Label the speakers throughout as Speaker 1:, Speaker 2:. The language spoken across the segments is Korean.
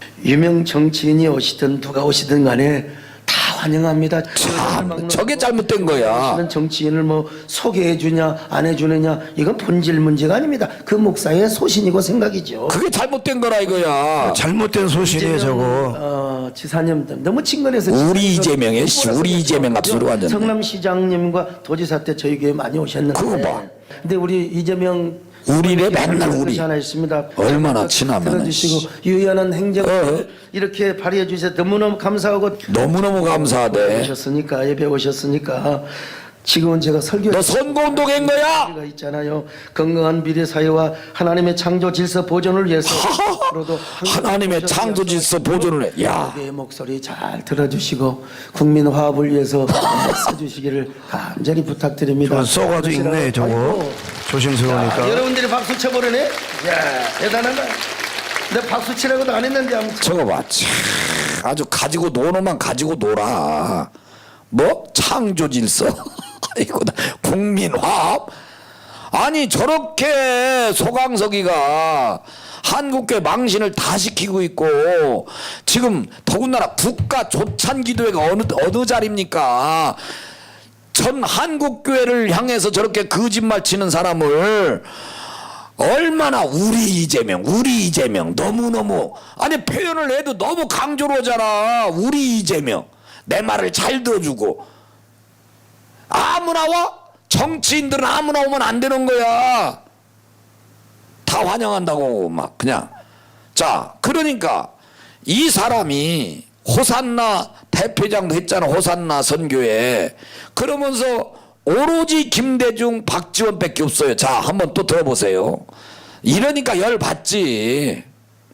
Speaker 1: 유명 정치인이 오시든 누가 오시든 간에 다 환영합니다.
Speaker 2: 참, 저게 잘못된 거야.
Speaker 1: 오시는 정치인을 뭐 소개해 주냐 안 해주느냐 이건 본질 문제가 아닙니다. 그 목사의 소신이고 생각이죠.
Speaker 2: 그게 잘못된 거라 이거야.
Speaker 3: 잘못된 소신이에요 저거.
Speaker 1: 지사님 너무 친근해서
Speaker 2: 우리 이재명의 우리 이재명 같은 소리 완전.
Speaker 1: 성남시장님과 도지사 때 저희 교회 많이 오셨는데.
Speaker 2: 그거 봐.
Speaker 1: 근데 우리 이재명
Speaker 2: 우리래 맨날 우리.
Speaker 1: 하나 있습니다.
Speaker 2: 얼마나 친하면은.
Speaker 1: 들어주시고 유연한 행정을 이렇게 발휘해 주셔서 너무너무 감사하고
Speaker 2: 너무너무 감사하대.
Speaker 1: 오셨으니까 예배 오셨으니까 지금은 제가 설교
Speaker 2: 너 선거운동한 거야?
Speaker 1: 가 있잖아요. 건강한 미래 사회와 하나님의 창조 질서 보존을 위해서 앞으로도
Speaker 2: 하나님의 창조 질서 보존을 해. 야,
Speaker 1: 내 목소리 잘 들어주시고 국민 화합을 위해서 써주시기를 간절히 부탁드립니다.
Speaker 3: 저거 써가지고 읽네 저거.
Speaker 1: 아이고.
Speaker 3: 조심스러우니까.
Speaker 1: 여러분들이 박수 쳐버리네. 야 대단하다. 내가 박수 치라고도 안 했는데 아무튼.
Speaker 2: 저거 봐. 참, 아주 가지고 노노만 가지고 놀아. 뭐 창조 질서. 아이고, 국민화합. 아니 저렇게 소강석이가 한국교회 망신을 다 시키고 있고 지금 더군다나 국가 조찬기도회가 어느 자리입니까? 전 한국교회를 향해서 저렇게 거짓말 치는 사람을 얼마나 우리 이재명 너무너무 아니 표현을 해도 너무 강조로 하잖아. 우리 이재명 내 말을 잘 들어주고 아무나 와? 정치인들은 아무나 오면 안 되는 거야. 다 환영한다고 막 그냥. 자 그러니까 이 사람이 호산나 대표장도 했잖아. 호산나 선교회. 그러면서 오로지 김대중 박지원밖에 없어요. 자 한번 또 들어보세요. 이러니까 열 받지.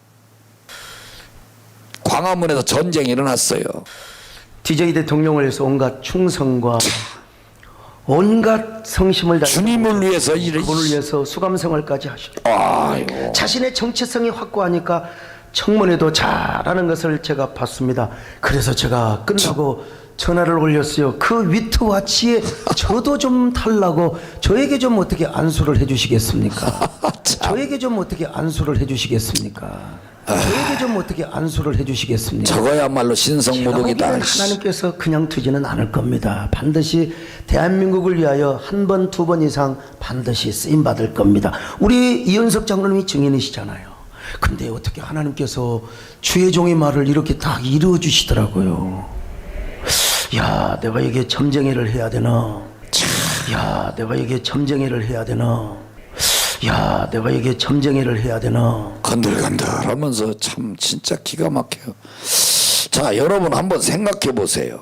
Speaker 2: 광화문에서 전쟁이 일어났어요.
Speaker 1: DJ 대통령을 위해서 온갖 충성과 온갖 성심을 다해
Speaker 2: 주님을 위해서
Speaker 1: 그분을 위해서 수감생활까지 하셨고
Speaker 2: 아이고.
Speaker 1: 자신의 정체성이 확고하니까 청문회도 잘하는 것을 제가 봤습니다. 그래서 제가 끝나고 전화를 올렸어요. 그 위트와 치에 저도 좀 달라고 저에게 좀 어떻게 안수를 해주시겠습니까? 저에게 좀 어떻게 안수를 해주시겠습니까? 저에게 좀 어떻게 안수를 해주시겠습니까?
Speaker 2: 저거야말로 신성모독이다.
Speaker 1: 하나님께서 그냥 두지는 않을 겁니다. 반드시 대한민국을 위하여 한 번, 두 번 이상 반드시 쓰임받을 겁니다. 우리 이현석 장로님이 증인이시잖아요. 근데 어떻게 하나님께서 주의 종의 말을 이렇게 딱 이루어 주시더라고요. 야, 내가 이게 점쟁이를 해야 되나? 야, 내가 이게 점쟁이를 해야 되나? 야, 내가 이게 점쟁이를 해야 되나?
Speaker 2: 건들건들 하면서 참 진짜 기가 막혀요. 자 여러분 한번 생각해 보세요.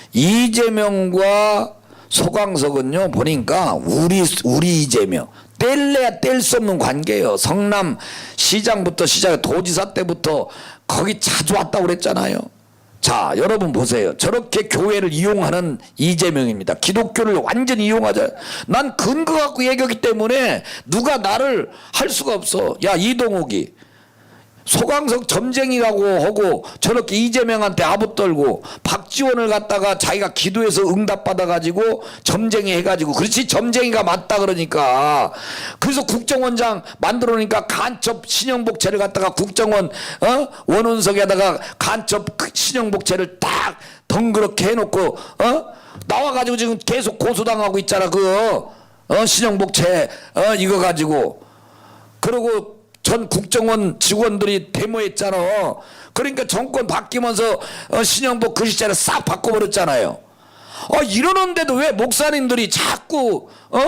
Speaker 2: 이재명과 소강석은요 보니까 우리 이재명 뗄래야 뗄 수 없는 관계예요. 성남 시장부터 시작해 도지사 때부터 거기 자주 왔다고 그랬잖아요. 자 여러분 보세요. 저렇게 교회를 이용하는 이재명입니다. 기독교를 완전히 이용하자. 난 근거 갖고 얘기하기 때문에 누가 나를 할 수가 없어. 야 이동욱이 소강석 점쟁이라고 하고 저렇게 이재명한테 아부 떨고 박지원을 갖다가 자기가 기도해서 응답받아가지고 점쟁이 해가지고 그렇지 점쟁이가 맞다 그러니까 그래서 국정원장 만들어놓으니까 간첩 신형복채를 갖다가 국정원 원운석에다가 간첩 신형복채를 딱 덩그렇게 해놓고 나와가지고 지금 계속 고소당하고 있잖아. 그 신형복채 이거 가지고 그리고 전 국정원 직원들이 데모했잖아. 그러니까 정권 바뀌면서 신형복 그 시절에 싹 바꿔버렸잖아요. 이러는데도 왜 목사님들이 자꾸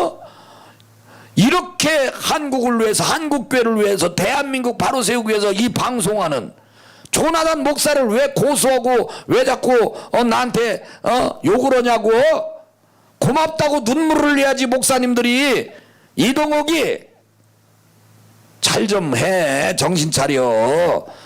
Speaker 2: 이렇게 한국을 위해서 한국교회를 위해서 대한민국 바로 세우기 위해서 이 방송하는 조나단 목사를 왜 고소하고 왜 자꾸 나한테 욕을 하냐고. 고맙다고 눈물을 흘려야지 목사님들이. 이동욱이 잘 좀 해. 정신 차려.